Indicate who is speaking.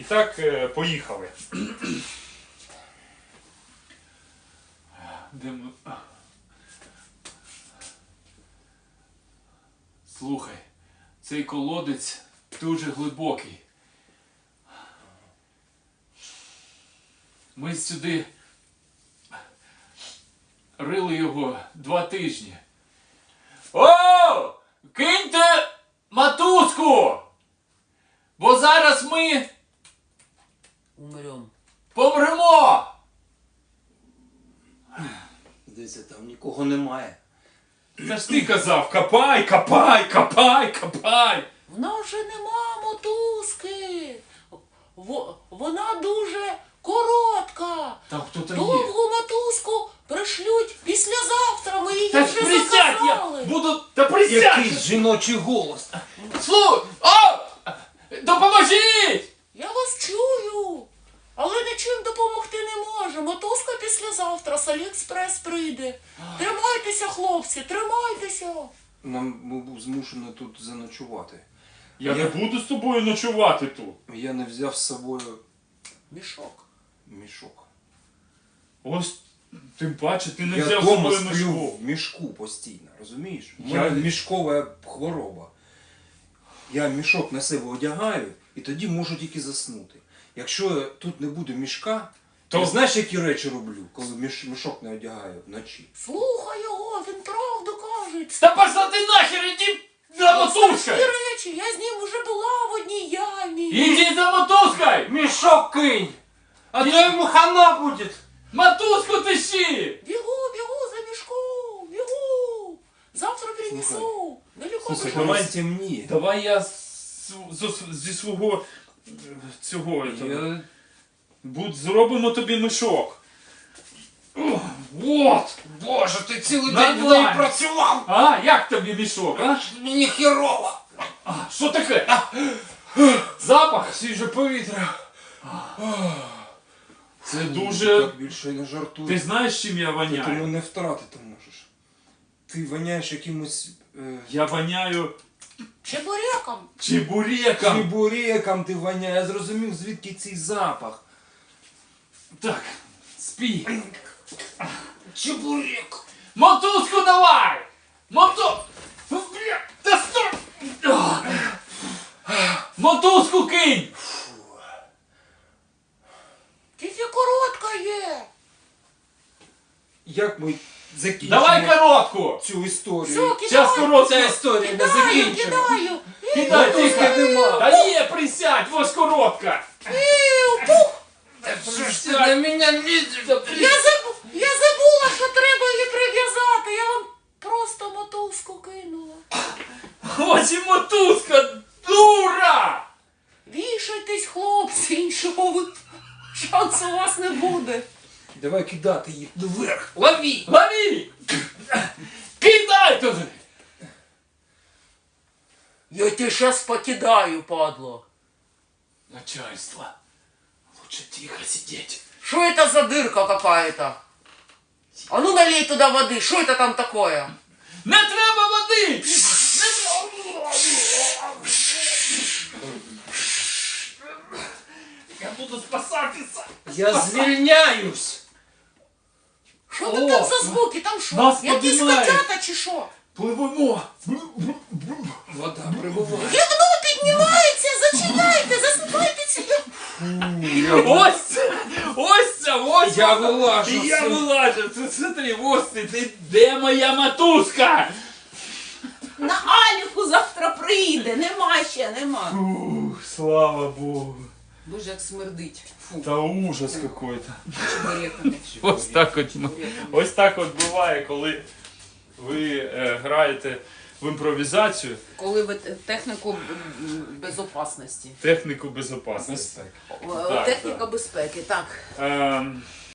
Speaker 1: так, поїхали. Де ми? Слухай, цей колодець дуже глибокий. Ми сюди рили його 2 тижні. О! Киньте мотузку! Бо зараз ми помремо!
Speaker 2: Дивіться, там нікого немає.
Speaker 1: Та ж ти казав, копай, копай, копай, копай!
Speaker 3: В нас вже нема мотузки. Вона дуже коротка.
Speaker 1: Там хто-то є.
Speaker 3: Довгу мотузку пришлють післязавтра. Ми її
Speaker 1: Та
Speaker 3: вже
Speaker 1: присядь, я
Speaker 3: заказали.
Speaker 1: буду... Та присядь!
Speaker 2: Якийсь жіночий голос.
Speaker 1: Слухай! О! Допоможіть!
Speaker 3: Я вас чую. Але нічим допомогти не може. Мотузка післязавтра з Аліекспрес прийде. Тримайтеся, хлопці, тримайтеся.
Speaker 2: Ми був змушений тут заночувати.
Speaker 1: Я не буду з тобою ночувати тут.
Speaker 2: Я не взяв з собою
Speaker 3: Мішок.
Speaker 2: мішок.
Speaker 1: Ось, тим паче, ти не
Speaker 2: Я
Speaker 1: взяв з
Speaker 2: вдома
Speaker 1: собою
Speaker 2: сплю
Speaker 1: мішку.
Speaker 2: в мішку постійно, розумієш? У
Speaker 1: Я-
Speaker 2: мене мішкова хвороба. Я мішок на себе одягаю і тоді можу тільки заснути. Якщо тут не буде мішка,
Speaker 1: То-
Speaker 2: то знаєш, які речі роблю, коли мішок не одягаю вночі?
Speaker 3: Слухай його, він правду каже.
Speaker 1: Та пошла ти нахер, іди за мотузкою!
Speaker 3: Ці речі, я з ним вже була в одній ямі.
Speaker 1: Іди за мотузкою!
Speaker 2: Мішок кинь! А то йому хана буде!
Speaker 1: Мотузку тащи!
Speaker 3: Бігу за мішком, бігу. Завтра принесу. Далеко
Speaker 2: Слухай,
Speaker 3: пішов.
Speaker 2: давай темніє.
Speaker 1: Давай я зі свого цього зробимо тобі мішок. О, вот!
Speaker 2: Боже, ти цілий
Speaker 1: Нормально.
Speaker 2: день в неї працював!
Speaker 1: А, як тобі мішок, а?
Speaker 2: Мені херово!
Speaker 1: Що таке? Запах?
Speaker 2: Свіже повітря.
Speaker 1: Це дуже...
Speaker 2: Так більше не жартуй.
Speaker 1: Ти знаєш, чим я
Speaker 2: Ти
Speaker 1: воняю?
Speaker 2: мене втратити можеш. Ти воняєш якимось...
Speaker 1: Я воняю
Speaker 3: Чебуреком.
Speaker 1: чебуреком.
Speaker 2: Чебуреком ти воняєш. Я зрозумів, звідки цей запах.
Speaker 1: Так, спи.
Speaker 2: Чебурек!
Speaker 1: Мотузку давай! Бля, та стой! Мотузку кинь!
Speaker 3: Тільки коротка є.
Speaker 2: Як ми закінчимо
Speaker 1: Давай коротку!
Speaker 2: цю історію?
Speaker 3: Все,
Speaker 1: Зараз
Speaker 3: кидаю.
Speaker 1: коротку!
Speaker 2: Ця історія не
Speaker 3: Кидаю,
Speaker 2: закінчена.
Speaker 3: кидаю.
Speaker 1: Кидай,
Speaker 2: Мотузки
Speaker 1: тихо!
Speaker 2: нема.
Speaker 1: Та є, присядь, ось коротка!
Speaker 2: Що ж ти на мене лізеш?
Speaker 3: Я забула, що треба її прив'язати. Я вам просто мотузку кинула.
Speaker 1: Ось і мотузка, дура!
Speaker 3: Вішайтесь, хлопці, іншого шансу у вас не буде.
Speaker 2: Давай кидати їх вверх. Лови!
Speaker 1: Лови! Кидай туди!
Speaker 3: Я тебе щас покидаю, падло.
Speaker 1: Начальство, лучше тихо сидеть.
Speaker 3: Что это за дырка какая-то? А ну налей туда воды, что это там такое?
Speaker 1: Не треба води! Я буду спасатися!
Speaker 2: Я звільняюсь!
Speaker 3: Що це там за звуки? Там що?
Speaker 1: Нас
Speaker 3: Якісь
Speaker 1: піднімають.
Speaker 3: котята чи що?
Speaker 1: Пливемо!
Speaker 2: Вода прибуває.
Speaker 3: Вікно піднімається, зачиняйте, засипайте ці.
Speaker 1: Ось це! Ось це! Ось
Speaker 2: Я
Speaker 1: вона.
Speaker 2: вилажу.
Speaker 1: І я вилажу! Це смотри, ось ти! Де моя мотузка?
Speaker 4: На Аліку завтра прийде, нема ще, нема.
Speaker 1: Ух, слава Богу!
Speaker 4: Боже, як смердить. Фу,
Speaker 1: Та ужас какой-то.
Speaker 4: чебуреками.
Speaker 1: Ось так от, ось так от буває, коли ви граєте в імпровізацію,
Speaker 4: Коли ви техніку безопасності.
Speaker 1: техніку безпечності. Так,
Speaker 4: Техніка безпеки, так.
Speaker 1: Ем,